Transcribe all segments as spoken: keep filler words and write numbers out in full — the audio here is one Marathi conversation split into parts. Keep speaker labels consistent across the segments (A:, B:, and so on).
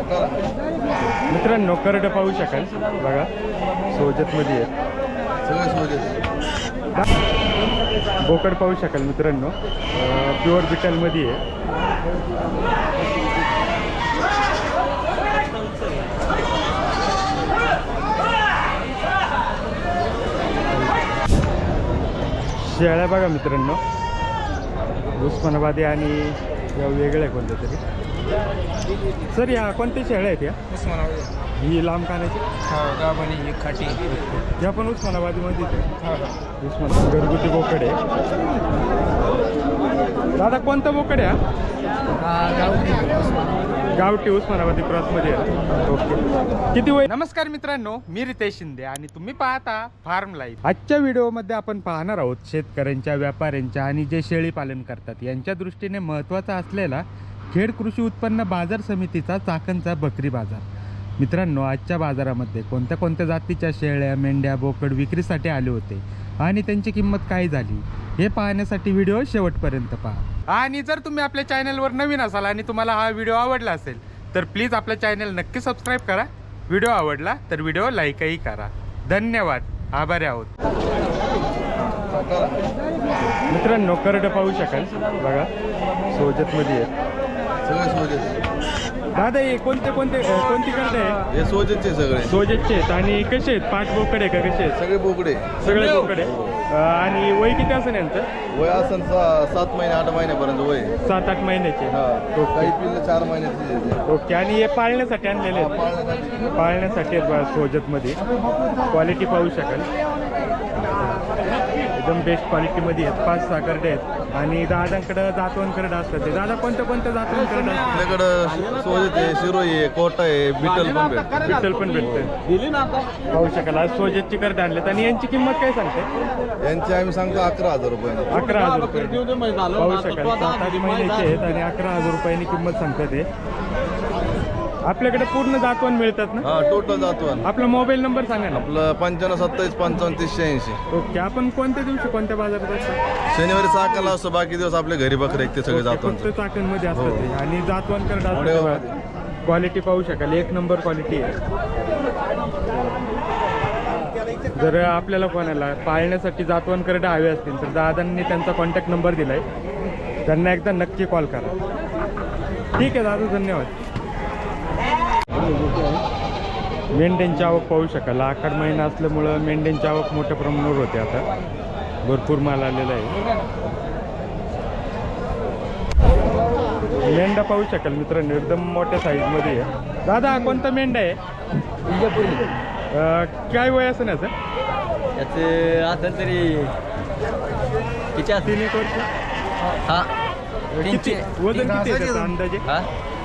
A: मित्रांनो करडं पाहू शकाल बघा, सोजतमध्ये आहे
B: सगळे सोजत.
A: बोकड पाहू शकाल मित्रांनो, प्युअर बिटलमध्ये आहे. शेळ्या बघा मित्रांनो, उस्मानाबादी आणि या वेगळ्या कोणत्या तरी. सर या कोणत्या शेळ्या आहेत या?
B: उस्मानाबादी
A: ही लांब कानाची
B: गाभणी ही खाटी.
A: या पण उस्मानाबादीमध्येच आहे. उस्मान घरगुती बोकड आहे. दादा कोणता बोकड आहे हा? गावठी उस्मानाबादी क्रॉसमध्ये आहे. ओके, किती वय? नमस्कार मित्रांनो, मी रितेश शिंदे आणि तुम्ही पाहता फार्म लाईफ. आजच्या व्हिडिओमध्ये आपण पाहणार आहोत शेतकऱ्यांच्या, व्यापाऱ्यांच्या आणि जे शेळी पालन करतात यांच्या दृष्टीने महत्त्वाचा असलेला खेड कृषी उत्पन्न बाजार समितीचा चाकणचा बकरी बाजार. मित्रांनो, आजच्या बाजारामध्ये कोणत्या कोणत्या जातीच्या शेळ्या, मेंढ्या, बोकड विक्रीसाठी आले होते आणि त्यांची किंमत काय झाली हे पाहण्यासाठी व्हिडिओ शेवटपर्यंत पहा. आणि जर तुम्ही आपल्या चॅनलवर नवीन असाल आणि तुम्हाला हा व्हिडिओ आवडला असेल तर प्लीज आपल्या चॅनल नक्की सबस्क्राईब करा. व्हिडिओ आवडला तर व्हिडिओ लाईकही करा. धन्यवाद, आभारी आहोत. मित्रांनो करडं पाहू शकाल बघा, सोजतमध्ये आहे.
B: सगळे सोजत.
A: दादा हे कोणते कोणते कोणती करडं आहे?
B: हे सोजतचे सगळे.
A: सोजतचे आहेत. आणि कसे आहेत? पाच बोकड आहे का कसे आहेत?
B: सगळे बोकडे.
A: सगळे बोकड आहे. आणि वय किती असेल यांचं?
B: वय असन सा- सात महिने आठ महिन्यापर्यंत वय.
A: सात आठ महिन्याचे.
B: हा.
A: ओके.
B: काही पिल्ले चार महिन्याचे.
A: ओके, आणि हे पाळण्यासाठी आणलेले आहेत?
B: पाळण्यासाठी.
A: पाळण्यासाठी आहेत बघा सोजतमध्ये. क्वालिटी पाहू शकाल, एकदम बेस्ट क्वालिटीमध्ये आहेत. पाच सहा करडे आहेत आणि दादांकडं जातवन करडं असतात. ते दादा कोणत्या कोणत्या जातवन करडं असतात?
B: आपल्याकडं सोजत आहे, शिरोई आहे, कोटा आहे, बिटल पण भेटते.
A: पिस्टल पण भेटतं. पाहू शकाल आज सोजतची करडे आणलेत. आणि यांची किंमत काय सांगते?
B: यांची आम्ही सांगतो अकरा हजार रुपये.
A: अकरा हजार रुपये पाहू शकाल. सात आठ महिन्याचे आहेत आणि अकरा हजार रुपयांनी किंमत सांगतात ते. आपल्याकडे पूर्ण जातवन मिळतात ना?
B: हा, टोटल जातो.
A: आपला मोबाईल नंबर सांगा ना.
B: आपलं पंच्याण्णव सत्तावीस पंचावन्न तीसशे ऐंशी.
A: ओके, आपण कोणत्या दिवशी कोणत्या बाजारात असतात?
B: शनिवारी चाकाला असतो, बाकी दिवस आपल्या घरी बकरे आहेत ते सगळे जातो.
A: फक्त चाकणमध्ये असतात
B: हो.
A: ते. आणि जातवन करडा
B: वडेगावमध्ये.
A: क्वालिटी पाहू शकाल, एक नंबर क्वालिटी आहे. जर आपल्याला कोणाला पाळण्यासाठी जातवन करडा हवे असतील तर दादांनी त्यांचा कॉन्टॅक्ट नंबर दिलाय, त्यांना एकदा नक्की कॉल करा. ठीक आहे दादा, धन्यवाद. मेंढ्यांची आवक पाहू शकाल. आखाड महिना असल्यामुळं मेंढ्यांची आवक मोठ्या प्रमाणावर होते. आता भरपूर माल आलेला आहे. मेंढा पाहू शकाल मित्रांनो, एकदम मोठ्या साईजमध्ये आहे. दादा कोणता मेंढा आहे? अं, काय वय असं याचं?
C: याचे असेल तरी किती
A: तीन एक वर्ष.
C: हा
A: किती वजन किती आहे त्याचं अंदाजे?
C: हा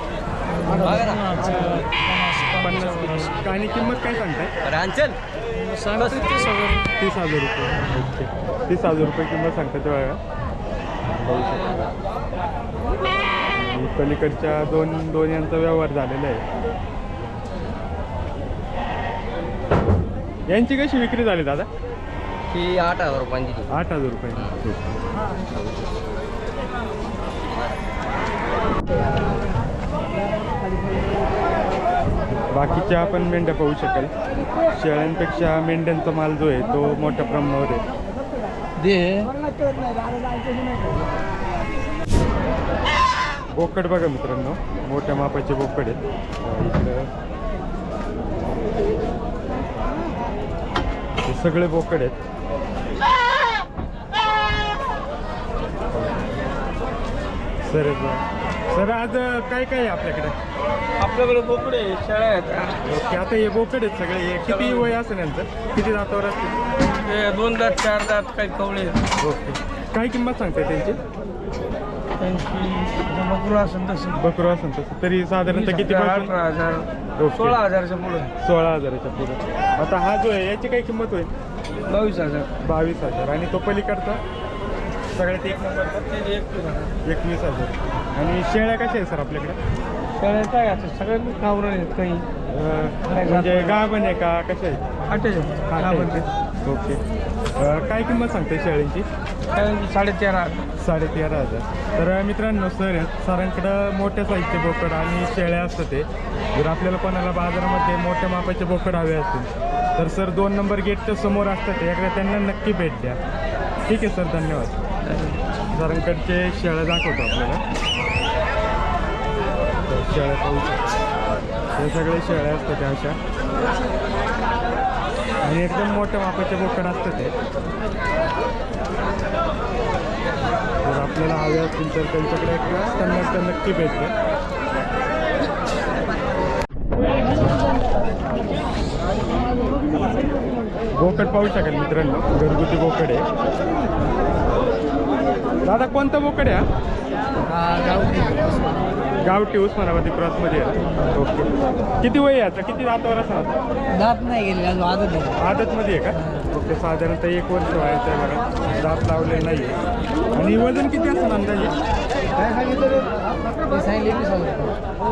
A: पन्नास. आणि किंमत काय सांगताय?
C: रांचल
A: तीस हजार रुपये. ओके, तीस हजार रुपये किंमत सांगतात बघा. आणि पलीकडच्या दोन दोन यांचा व्यवहार झालेला आहे. यांची कशी विक्री झाली दादा?
C: ही आठ हजार रुपयांची.
A: आठ हजार रुपये. बाकीच्या आपण मेंढ्या पाहू शकाल. शेळ्यांपेक्षा मेंढ्यांचा माल जो आहे तो मोठ्या प्रमाणावर आहे. बोकड बघा मित्रांनो, मोठ्या मापाचे बोकड आहेत. इकडं हे सगळे बोकड आहेत. सर सर आज काय काय आहे आपल्याकडे?
C: आपल्याकडे बोकडे शेळ्या आहेत.
A: ओके, आता हे बोकड आहेत सगळे. हे किती वय असेल यांचं? किती दातावर असतील?
C: ते दोन दात चार दात काही कवळे आहेत.
A: ओके, काय किंमत सांगते त्यांची?
C: त्यांची बकरू असेल तसं
A: बकरू असेल तसं तरी साधारणतः किती?
C: अठरा हजार
A: ओके.
C: सोळा हजारच्या पुढे.
A: सोळा हजाराच्या पुढे. आता हा जो आहे याची काय किंमत होईल?
C: बावीस हजार
A: बावीस हजार. आणि तो पलीकडचा सगळ्यात एक नंबरचा
C: एकवीस हजार.
A: एकवीस हजार. आणि शेळ्या कशा आहे सर आपल्याकडे?
C: शेळ्या काय असं सगळ्यांना गावरण आहेत काही.
A: अं, म्हणजे गाभण आहे का कशा आहेत?
C: अठ्ठेचाळीस गाभण.
A: ओके, अं, काय किंमत सांगते शेळ्यांची?
C: शेळ्यांची साडेतेरा
A: साडेतेरा हजार. तर मित्रांनो सर आहेत सरांकडं मोठ्या साईजचे बोकड आणि शेळ्या असतात ते. जर आपल्याला कोणाला बाजारामध्ये मोठ्या मापाचे बोकड हवे असतील तर सर दोन नंबर गेटच्या समोर असतात एकदा त्यांना नक्की भेट द्या. ठीक आहे सर, धन्यवाद. सरांकडचे शेळ्या दाखवतो आपल्याला. तर शेळ्या पाहू शकतो, हे सगळे शेळ्या असतात त्या अशा आणि एकदम मोठ्या मापाचे बोकड असतात ते. जर आपल्याला हवे असतील तर त्यांच्याकडे एकदा त्यांना एकदा नक्की भेट द्या. बोकड पाहू शकाल मित्रांनो, घरगुती बोकड आहे. दादा कोणता बोकड आहे हा? गावठी उस्मानाबादी क्रॉसमध्ये आहे. ओके, किती वय आहे आता? किती दातावर असणार?
C: दात नाही गेले अजून आदत नाही.
A: आदतमध्ये आहे का? ओके, साधारणतः एक वर्ष व्हायचं आहे बघा. दात लावलेलं नाही आहे. आणि वजन किती असतं अंदाजे?
C: काय सांगितलं? सांगितले एकवीस हजार.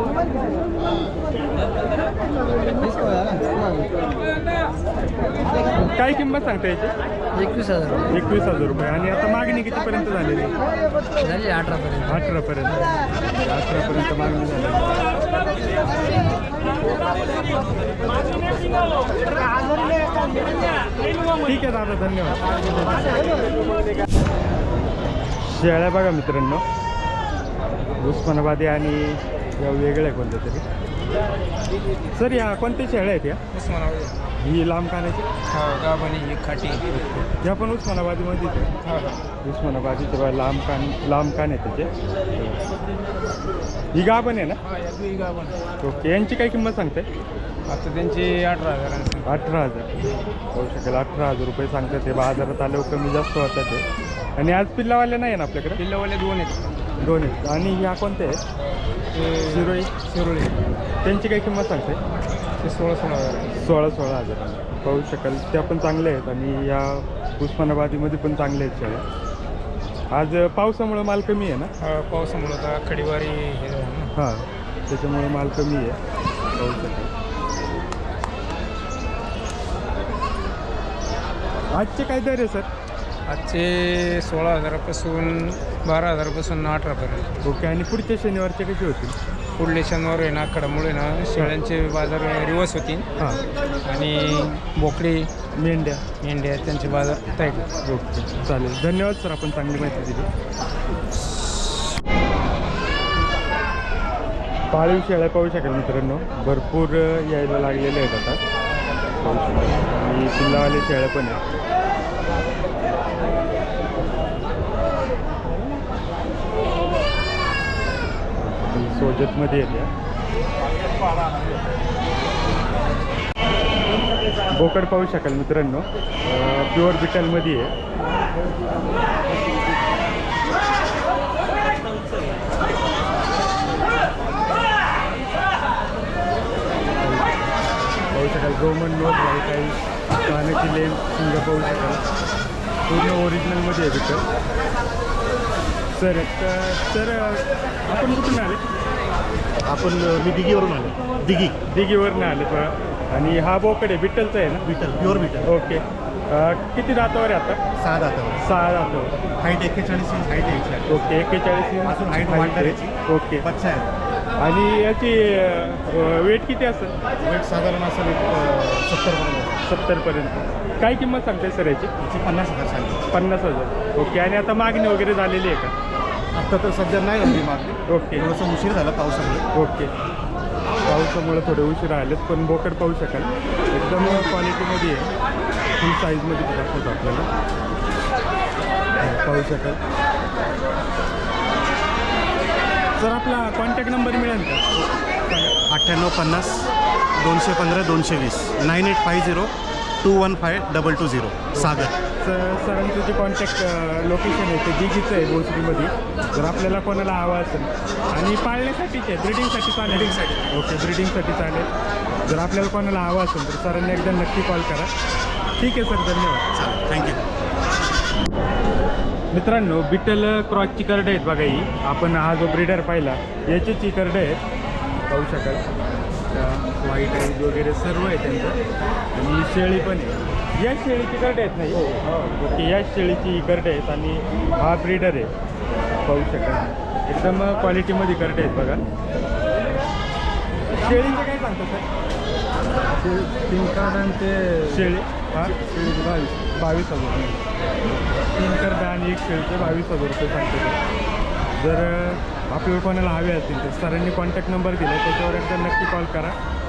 A: काय किंमत सांगता याची?
C: एकवीस हजार
A: एकवीस हजार रुपये. आणि आता मागणी कितीपर्यंत झालेली?
C: झाली अठरापर्यंत.
A: अठरापर्यंत अठरापर्यंत मागणी झाली. ठीक आहे दादा, धन्यवाद. शेळ्या बघा मित्रांनो, उस्मानाबादी आणि या वेगळ्या कोणत्या तरी. सर या कोणत्या शेळ्या आहेत या?
C: उस्मानाबाद
A: ही लांब कानाची?
C: हा गावानी ही खाटी.
A: या पण उस्मानाबादीमध्येच आहे.
C: हा हा
A: उस्मानाबादीचे बघा लांब कान लांब कान आहे त्याचे. ही गा पण आहे ना?
C: हा या दुई गावानी.
A: ओके, यांची काय किंमत सांगते?
C: आता त्यांची अठरा हजार.
A: अठरा हजार होऊ शकेल. अठरा हजार रुपये सांगतात ते. बाजारात आल्यावर कमी जास्त होतात ते. आणि आज पिल्लावाले नाही आहे ना आपल्याकडे?
C: किल्लावाले दोन आहेत.
A: दोन आहेत. आणि ह्या कोणत्या आहेत? शिरोळी
C: शिरोळी
A: त्यांची काय किंमत सांगते?
C: ते सोळा सोळा हजार.
A: सोळा सोळा हजार पाहू शकाल. त्या पण चांगल्या आहेत आणि या उस्मानाबादीमध्ये पण चांगल्या आहेत शेळ्या. आज पावसामुळं माल कमी आहे ना?
C: हा पावसामुळं आता खडीवारी हे झालं ना.
A: हां, त्याच्यामुळे माल कमी आहे. पाहू शकाल. आजचे काय दर आहे सर?
C: आजचे सोळा हजारापासून बारा हजारापासून अठरापर्यंत.
A: ओके, आणि पुढच्या शनिवारचे कसे होतील?
C: पुढले शनिवार आहे ना आखाडामुळे ना शेळ्यांचे बाजार रिवर्स होतील.
A: हां,
C: आणि बोकडी
A: मेंढ्या.
C: मेंढ्या त्यांचे बाजार टाईट.
A: ओके, चालेल. धन्यवाद सर, आपण चांगली माहिती दिली. पाळीव शेळ्या पाहू शकाल मित्रांनो, भरपूर यायला लागलेले आहेत आता. पाहू शकाल. आणि पिल्लावाले शेळ्या पण आहेत. सोजतमध्ये येते. बोकड पाहू शकाल मित्रांनो, प्युअर बिटलमध्ये आहे. पाहू शकाल रोमन नोट आहे, काही कानाची लेन्स सिंग पाहू शकाल. पूर्ण ओरिजिनलमध्ये आहे बिटल. सर सर आपण कुठून आले?
B: आपण मी दिघीवरून आलो. दिघी
A: दिघीवरून आले बघा. आणि हा बोकड आहे बिट्टलचा आहे ना?
B: Beetle, pure beetle.
A: ओके, किती दातावर आहे आता?
B: सहा दातावर.
A: सहा दातावर.
B: हाईट एक्केचाळीस इंच हाईट यायची.
A: ओके, एक्केचाळीस
B: अजून हाईट वाढणार याची.
A: ओके.
B: बच्चा आहे.
A: आणि याची वेट किती असेल?
B: वेट साधारण असं सत्तरपर्यंत.
A: सत्तरपर्यंत. काय किंमत सांगते सर याची?
B: याची पन्नास हजार सांगितली.
A: पन्नास हजार. ओके, आणि आता मागणी वगैरे झालेली आहे का?
B: आत्ता तर सध्या नाही झाली मागणी.
A: ओके
B: थोडंसं उशीर झाला पावसामुळे.
A: ओके, पावसामुळे थोडे उशीर आलेत, पण बोकड पाहू शकाल एकदम क्वालिटीमध्ये आहे. फुल साईजमध्ये ते दाखवतो आपल्याला. पाहू शकाल. सर आपला कॉन्टॅक्ट नंबर मिळेल का?
B: अठ्ठ्याण्णव पन्नास दोनशे पंधरा दोनशे वीस nine eight five zero two one five double two zero Sagar.
A: Sir सरांचं जे कॉन्टॅक्ट लोकेशन आहे ते दिघीचं आहे भोसरीमध्ये. जर आपल्याला कोणाला हवं असेल आणि पाळण्यासाठीच आहे, ब्रिडिंगसाठी चालेल. ब्रिडिंगसाठी ओके, ब्रिडिंगसाठी चालेल. जर आपल्याला कोणाला हवं असेल तर सरांनी एकदा नक्की कॉल करा. ठीक आहे सर, धन्यवाद.
B: चालेल, थँक्यू.
A: मित्रांनो, बिटल क्रॉसची करडे आहेत बघा. ही आपण हा जो ब्रीडर पाहिला याचीच ही करडे आहेत, पाहू शकाल. व्हाईट आईज वगैरे सर्व आहे त्यांचं. आणि शेळी पण आहे. या शेळीची करडे आहेत नाही ओके या शेळीची करडे आहेत आणि हा ब्रीडर आहे पाहू शकाल एकदम क्वालिटीमध्ये करडे आहेत बघा. शेळीचं काय सांगतो सर?
C: तीन कार्ड आणि ते
A: शेळी हा
C: शेळीचे बावीस
A: बावीस हजार तीन करडे आणि एक शेळीचे बावीस हजार रुपये सांगतो ते. जर आपल्याला कोणाला हवे असतील तर सरांनी कॉन्टॅक्ट नंबर दिला त्याच्यावर एकदा नक्की कॉल करा.